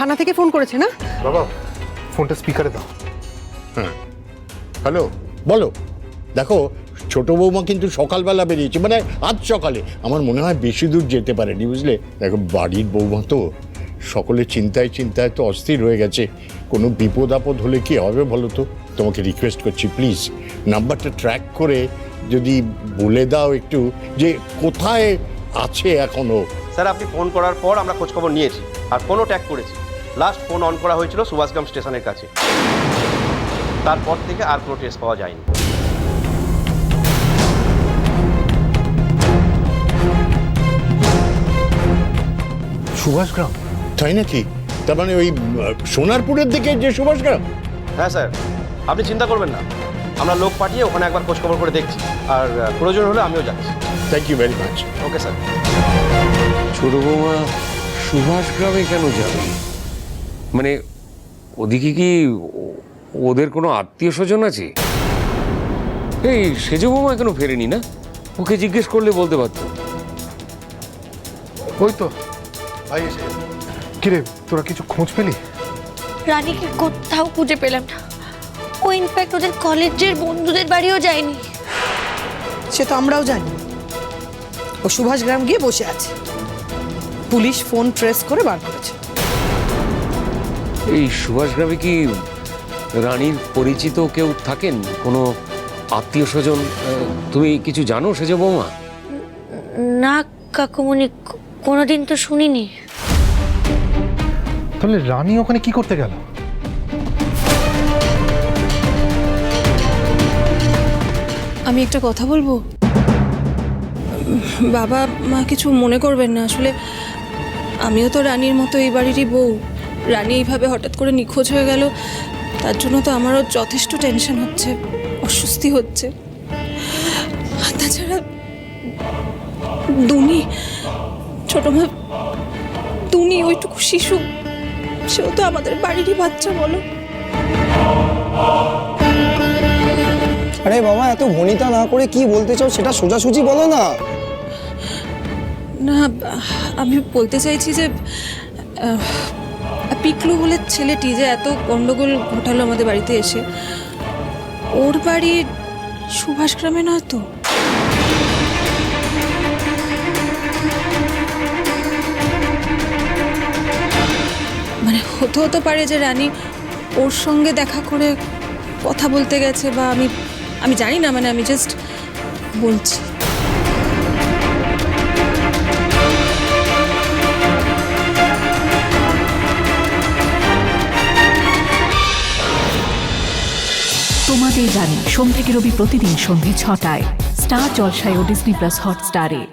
থানা থেকে ফোন করেছে না? বাবা ফোনটা স্পিকারে দাও। হ্যাঁ, হ্যালো, বলো। দেখো, ছোট বৌমা কিন্তু সকালবেলা বেরিয়েছে, মানে আজ সকালে। আমার মনে হয় বেশি দূর যেতে পারেনি, বুঝলে। দেখো, বাড়ির বৌমা তো, সকলে চিন্তায় চিন্তায় তো অস্থির হয়ে গেছে। কোনো বিপদ আপদ হলে কি হবে বলো তো। তোমাকে রিকোয়েস্ট করছি, প্লিজ নাম্বারটা ট্র্যাক করে যদি বলে দাও একটু যে কোথায় আছে এখনো। স্যার, আপনি ফোন করার পর আমরা খোঁজখবর নিয়েছি আর ফোনও ট্যাগ করেছি। লাস্ট ফোন অন করা হয়েছিল সুভাষগ্রাম স্টেশনের কাছে। তারপর থেকে আর কোনো ট্রেস পাওয়া যায়নি। সুভাষগ্রাম? তাই নাকি? তার মানে ওই সোনারপুরের দিকে যে সুভাষগ্রাম? হ্যাঁ স্যার, আপনি চিন্তা করবেন না, আমরা লোক পাঠিয়ে ওখানে একবার খোঁজখবর করে দেখছি, আর প্রয়োজন হলে আমিও যাচ্ছি। Thank you very much. Okay sir. ছোট বৌমা সুভাষ গ্রামে কেন যাবে? মানে ওদিকে কি ওদের কোনো আত্মীয় স্বজন আছে? এই সেজ বৌমা এখনো ফেরেনি না? ওকে জিজ্ঞেস করলে বলতে পারতো। ওই তো ভাই এসে গেছে। কিরে, তোরা কিছু খোঁজ পেলি? রানীকে কোথাও খুঁজে পেলাম না। ও ইনফ্যাক্ট ওদের কলেজের বন্ধুদের বাড়িও যায়নি। সে তো আমরাও জানি। ও সুভাষগ্রাম গিয়ে বসে আছে। পুলিশ ফোন ট্রেস করে বার করেছে। এই সুভাষ গ্রামে কি রানীর পরিচিত কেউ থাকেন? কোনো আত্মীয় স্বজন তুমি কিছু জানো সেজ বৌমা? না কাকুমণি, কোনোদিন তো শুনিনি। তাহলে রানী ওখানে কি করতে গেল? আমি একটা কথা বলবো? বাবা মা কিছু মনে করবেন না, আসলে আমিও তো রানীর মতো এই বাড়িরই বউ। রানী এইভাবে হঠাৎ করে নিখোঁজ হয়ে গেল, তার জন্য তো আমারও যথেষ্ট টেনশন হচ্ছে, অস্বস্তি হচ্ছে। আর তাছাড়া দুনি, ছোট মা দুনি, ওইটুকু শিশু, সেও তো আমাদের বাড়িরই বাচ্চা, বলো। আরে বাবা, এত ভনিতা না করে কি বলতে চাও সেটা সোজাসুজি বলো না। না, আমি বলতে চাইছি যে পিকলু বলে ছেলেটি যে এত গন্ডগোল ঘটালো আমাদের বাড়িতে এসে, ওর বাড়ি সুভাষগ্রামে নয় তো? মানে হতে পারে যে রানী ওর সঙ্গে দেখা করে কথা বলতে গেছে, বা আমি জানি না, মানে আমি জাস্ট বলছি। তোমাদের জানি সোম থেকে রবি প্রতিদিন সন্ধ্যে ৬টায় স্টার জলসায় ও ডিজনি প্লাস হটস্টারে।